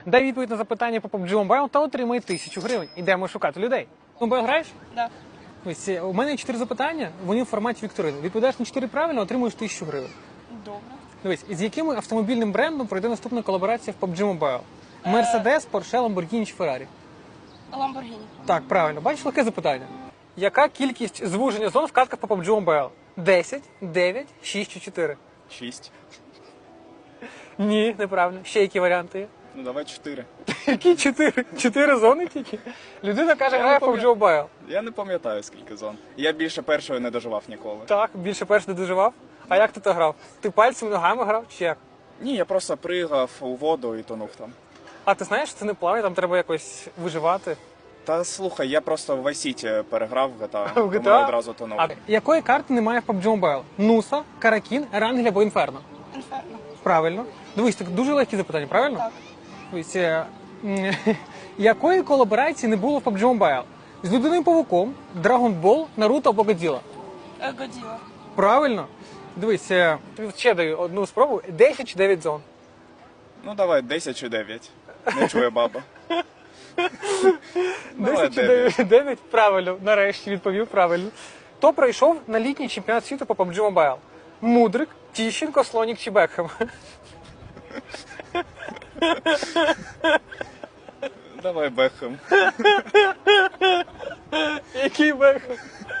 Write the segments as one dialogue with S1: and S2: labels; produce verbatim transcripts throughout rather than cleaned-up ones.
S1: Дай відповідь на запитання по паб джі Mobile та отримай тисячу гривень. Ідемо шукати людей. Mobile граєш?
S2: Да.
S1: Ось е, у мене є чотири запитання, вони в форматі вікторини. Відповідаєш на чотири правильно, отримуєш тисячу гривень.
S2: Добре.
S1: Дивись, з яким автомобільним брендом пройде наступна колаборація в паб джі Mobile? Mercedes, Porsche, Lamborghini чи Ferrari?
S2: Ламборгіні.
S1: Так, правильно. Бачиш, легке запитання. Яка кількість звуження зон в катках по паб джі Mobile? десять, дев'ять, шість чи чотири?
S3: Шість.
S1: Ні, неправильно. Ще які варіанти є?
S3: Ну давай чотири.
S1: Які чотири? Чотири зони тільки? Людина каже,
S3: Я
S1: грає в
S3: не
S1: паб джі Mobile.
S3: Я не пам'ятаю, скільки зон. Я більше першої не доживав ніколи.
S1: Так, більше перш не доживав. А як ти то грав? Ти пальцями, ногами грав чи як?
S3: Ні, я просто пригав у воду і тонув там.
S1: А ти знаєш, це не плаває, там треба якось виживати.
S3: Та слухай, я просто в Vice City переграв в джі ті ей,
S1: В джі ті
S3: тому
S1: ей?
S3: я одразу тонув.
S1: А якої карти немає в паб джі Mobile? Нуса, Каракін, Ерангель або Інферно?
S2: Інферно.
S1: Правильно. Дивись, так дуже легкі запитання, правильно?
S2: Так.
S1: Дивись, е, м, якої колаборації не було в паб джі Mobile? З Людиною Павуком, Dragon Ball, Наруто або Годзіла?
S2: Е, Годіла.
S1: Правильно. Дивись, е, тобі ще даю одну спробу. десять чи дев'ять зон?
S3: Ну давай десять чи дев'ять. Не чує баба. Давай
S1: десять чи
S3: дев'ять.
S1: дев'ять? Правильно. Нарешті відповів правильно. Хто пройшов на літній чемпіонат світу по паб джі Mobile? Мудрик, Тіщенко, Слонік чи Бекхем?
S3: Давай Бекхем.
S1: Який Бекхем?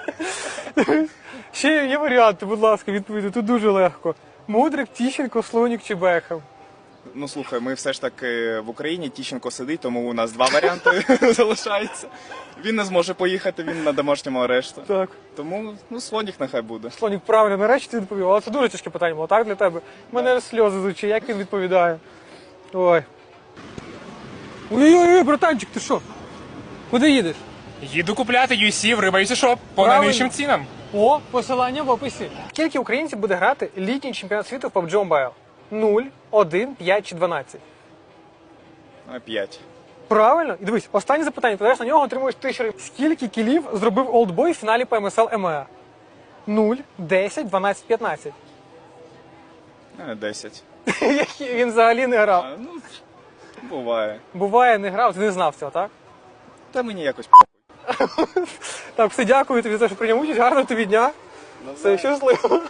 S1: Ще є варіанти, будь ласка, відповідайте. Тут дуже легко. Мудрик, Тіщенко, Слонік чи Бекхем?
S3: Ну слухай, ми все ж таки в Україні, Тіщенко сидить, тому у нас два варіанти залишається. Він не зможе поїхати, він на домашньому арешту.
S1: Так.
S3: Тому, ну, слонік нехай буде.
S1: Слонік, правильно, нарешті ти відповів. Але це дуже тяжке питання було, так, для тебе? У мене аж сльози з очей, як він відповідає. Ой. Ой-ой-ой, братанчик, ти що? Куди їдеш?
S4: Їду купляти ю сі в Риба ю сі Shop по
S1: Правильно.
S4: найнижчим цінам.
S1: О, посилання в описі. Скільки українців буде грати літній чемпіонат світу в паб джі Mobile? нуль, один, п'ять чи дванадцять?
S3: А, П'ять.
S1: Правильно? І дивись, останнє запитання. Ти даєш на нього, отримуєш тисячу гривень. Скільки кілів зробив Олдбой в фіналі по ем ес ел ем ем а? нуль, десять, дванадцять, п'ятнадцять.
S3: А, Десять.
S1: Які він взагалі не грав.
S3: А, ну, буває.
S1: Буває, не грав, ти не знав цього, так?
S3: Та мені якось
S1: Так, все, дякую тобі за те, що прийняв участь. Гарного тобі дня. Все, щасливо.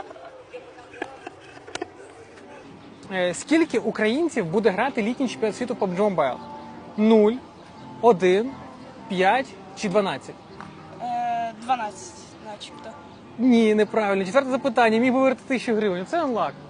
S1: Е, Скільки українців буде грати літній чемпіонат світу по паб джі Mobile? нуль, один, п'ять чи дванадцять?
S2: Е, дванадцять, начебто.
S1: Ні, неправильно. Четверте запитання. Міг би виграти тисячу гривень. Це анлак.